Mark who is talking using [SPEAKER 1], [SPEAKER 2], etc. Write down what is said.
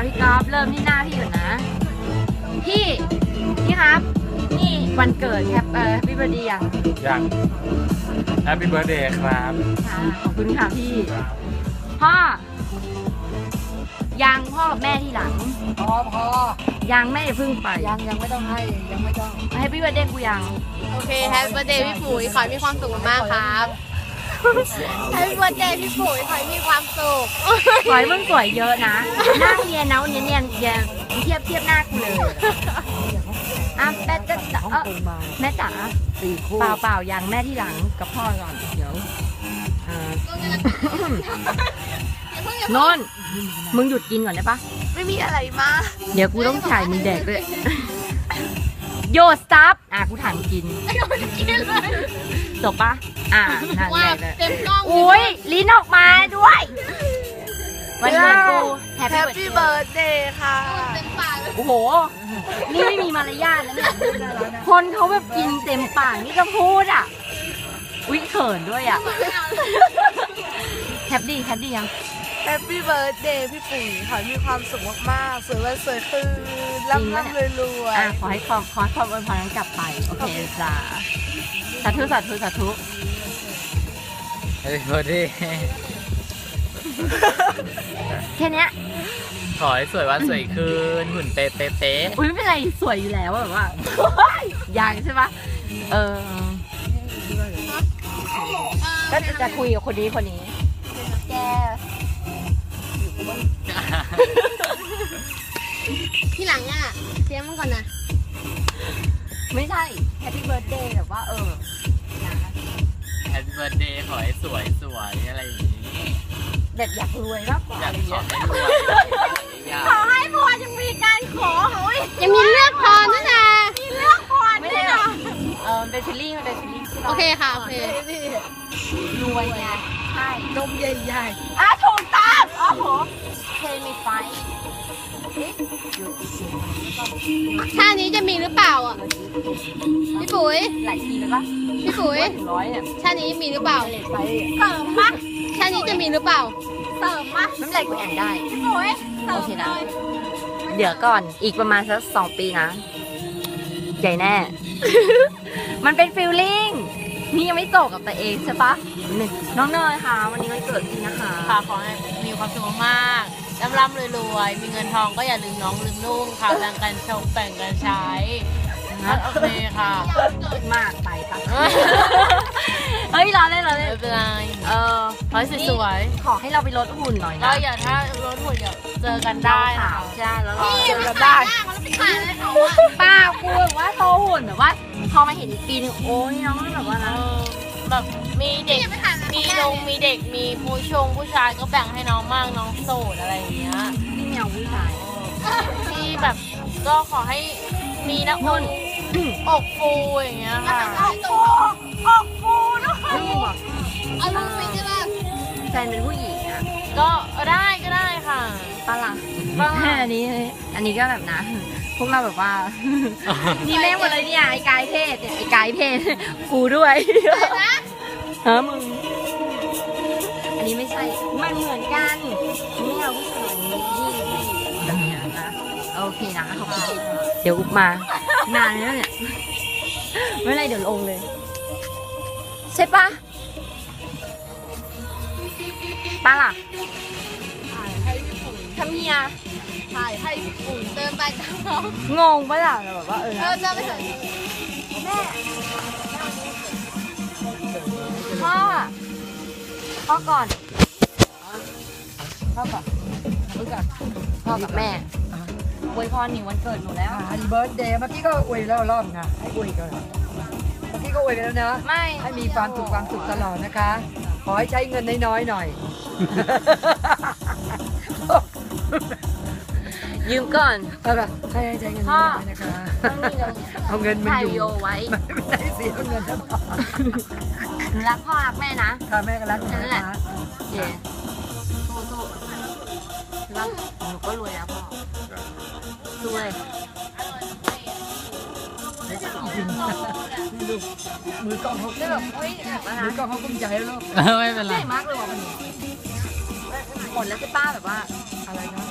[SPEAKER 1] พี่ก๊อฟเริ่มที่หน้าพี่ก่อนนะพี่ครับนี่วันเกิดแฮปปี้เบิร์ดเดย์ยัง
[SPEAKER 2] แฮปปี้เบิร์ดเดย์ครับ
[SPEAKER 1] ค่ะขอบคุณค่ะพี่พ่อยังพ่อกับแม่ที่หลัง
[SPEAKER 3] พอ
[SPEAKER 1] ยังแม่อย่าเพิ่งไป
[SPEAKER 3] ยังไม่ต้องให้ยังไม่ต้อง
[SPEAKER 1] แฮปปี้เบิร์ดเดย์กูยัง
[SPEAKER 4] โอเคแฮปปี้เบิร์ดเดย์พี่ปุ๋ยขอให้มีความสุขมากครับแฮปปี้เบิร์ดเดย์พี่ปุ๋ยขอให้มีความสุข
[SPEAKER 1] ขอให้มึงสวยเยอะนะหน้าเนียนนะเนียนเทียบหน้ากูเลยอ่ะแม่จะแม่จ๋าเปล่ายังแม่ที่หลังกับพ่อก่อนเดี๋ยวนนมึงหยุดกินก่อนได้ปะ
[SPEAKER 4] ไม่มีอะไรมา
[SPEAKER 1] เดี๋ยวกูต้องถ่ายมึงแดกด้วยโยสตัฟกูถ่ายมึงกินจบปะนั่นแหละ
[SPEAKER 4] เต็มกล้อง
[SPEAKER 1] อุ้ยลิ้นออกมาด้วยวันเกิดกูแฮป
[SPEAKER 4] ปี้เบิร์ดเดย์ค่ะเต็มปาก
[SPEAKER 1] โอ้โหนี่ไม่มีมารยาทแล้วเนี่ยคนเขาแบบกินเต็มปากนี่ก็พูดอุ๊ยเขินด้วยแฮปปี้ยัง
[SPEAKER 4] แฮปปี้เบิร์ดเดย์พี่ปุ๋ยขอให้มีความสุขมากๆสวยวันสวยคืนร่ำรวย
[SPEAKER 1] ขอให้ความอวยพรนั้นกลับไปโอเคจ้าสาธุ
[SPEAKER 2] แฮปปี้เบิร์ดเดย์
[SPEAKER 1] แค่นี้
[SPEAKER 2] ขอให้สวยวันสวยคืนหุ่นเป๊ะ
[SPEAKER 1] อุ้ยไม่เป็นไรสวยอยู่แล้วแบบว่ายังใช่ปะก็จะคุยกับคนนี้แก
[SPEAKER 4] ที่หลังเสียมันก่อนนะ
[SPEAKER 1] ไม่ใช่แฮปปี้เบิร์ดเดย์แบบว่า
[SPEAKER 2] แฮปปี้เบิร์ดเดย์ขอให้สวยอะไรอย่างนี้
[SPEAKER 1] แบบอยากรวยมากกว่าอะไรเงี้ย
[SPEAKER 4] ขอให้พรยังมีการขอยังมีเลือกพรด้วยนะมีเลือกพรด้วยนะ
[SPEAKER 1] เป็นฟีลลิ่ง
[SPEAKER 4] โอเคค่ะโอเค
[SPEAKER 1] รวยไงใช่
[SPEAKER 3] นมใหญ่
[SPEAKER 1] ถูกต้องโอ้โหเพลงมีไฟ
[SPEAKER 4] ท่านี้จะมีหรือเปล่าพี่ปุ๋ย
[SPEAKER 1] หลายทีเลยปะ
[SPEAKER 4] พี่ปุ๋ย
[SPEAKER 1] 100เนี่ย
[SPEAKER 4] ท่านี้มีหรือเปล่าเสริมปะท่านี้จะมีหรือเปล่าเสริมปะ
[SPEAKER 1] ไม่เป็นไรกูแอนได้
[SPEAKER 4] พี่ปุ๋ย
[SPEAKER 1] โอเคนะเดี๋ยวก่อนอีกประมาณสัก2 ปีนะใหญ่แน่ มันเป็นฟีลลิ่งนี่ยังไม่จบกับตัวเองใช่ปะน้องเนยค่ะวันนี้วันเกิดจริงนะคะ
[SPEAKER 4] ค่ะขอให้มีความสุขมากร่ำรวยมีเงินทองก็อย่าลืมน้องลืมนุ่งค่ะแบ่งกันชงแบ่งกันใช้โอเคค่ะ
[SPEAKER 1] มากไปปะเฮ้ยเราเล่น
[SPEAKER 4] ไม่เป็นไรขอให้สวย
[SPEAKER 1] ขอให้เราไปลดหุ่นหน่อยนะ
[SPEAKER 4] ก็อย่าถ้าลดหุ่นอย่าเจอกันได้ค่ะ
[SPEAKER 1] ใช่แล้วเราเจอกันได้ป้ากูแบบว่าโตหุ่นแบบว่าพอมาเห็นอีกปีนึงโอ้ยน้องแบบว่านะ
[SPEAKER 4] แบบมีเด็กมีเด็กมีผู้ชายก็แบ่งให้น้องมากน้องโสดอะไรอย่างเงี้ย
[SPEAKER 1] พี่แมวผู้ชาย
[SPEAKER 4] ที่แบบก็ขอให้มีนักบุญอกฟูอย่างเงี้ยค่ะอกฟูนะคะอารมณ์เป็นใช่ป่ะ
[SPEAKER 1] แฟนเป็นผู้หญิง
[SPEAKER 4] ก็ได้ค่ะ
[SPEAKER 1] ปะล่ะอันนี้ก็แบบนะพวกเราแบบว่านี่แม่งหมดเลยเนี่ยไอ้กายเพศเนี่ยไอ้กายเพศกูด้วยมึงอันนี้ไม่ใช่มันเหมือนกันนี่เอาผู้ชายนี่นะโอเคนะขอบคุณเดี๋ยวอุบมานานแล้วเนี่ยไม่เป็นไรเดี๋ยวลงเลยใช่ปะป้าล่ะ
[SPEAKER 4] ถ่ายให้พี่ปุ๋ย
[SPEAKER 1] ทำเมีย
[SPEAKER 4] ถ่ายให้พี่ปุ๋ยเดินไปกับน้อง
[SPEAKER 1] งงปะล่ะแบบว่า
[SPEAKER 4] เดินไปเถอะ
[SPEAKER 1] แม่พ่อก่อนพ่อกับแม่อวยพรหนิวันเกิดหนูแล้ว
[SPEAKER 3] แฮปปี้เบิร์ดเดย์เมื่อกี้ก็อวยแล้วรอบนะให้อวยกันเมื่อกี้ก็อวยไปแล้วนะ
[SPEAKER 1] ไม่
[SPEAKER 3] ให้มีความสุขตลอดนะคะขอให้ใช้เงินน้อยๆหน่อย
[SPEAKER 1] ยืมก่อน
[SPEAKER 3] แบบให้ใช้เงินน้อยนะคะเอาเงินมันอยู่
[SPEAKER 1] ไว้
[SPEAKER 3] ไม่ได้เสียเงินนะ
[SPEAKER 1] รักพ่อรักแม่นะ
[SPEAKER 3] ค่ะแม่ก็รัก
[SPEAKER 1] นะคะเย้สู้แล้วหนูก็รวยแล้วพ่อรวย
[SPEAKER 3] มือกองเขาเลิกมือกองเขากุ้มใจแล้ว
[SPEAKER 2] ไม่เป็นไร
[SPEAKER 1] ใช่มากเลยว่ะวันนี้หมดแล้วใช่ป้าแบบว่า
[SPEAKER 3] อะไรนะ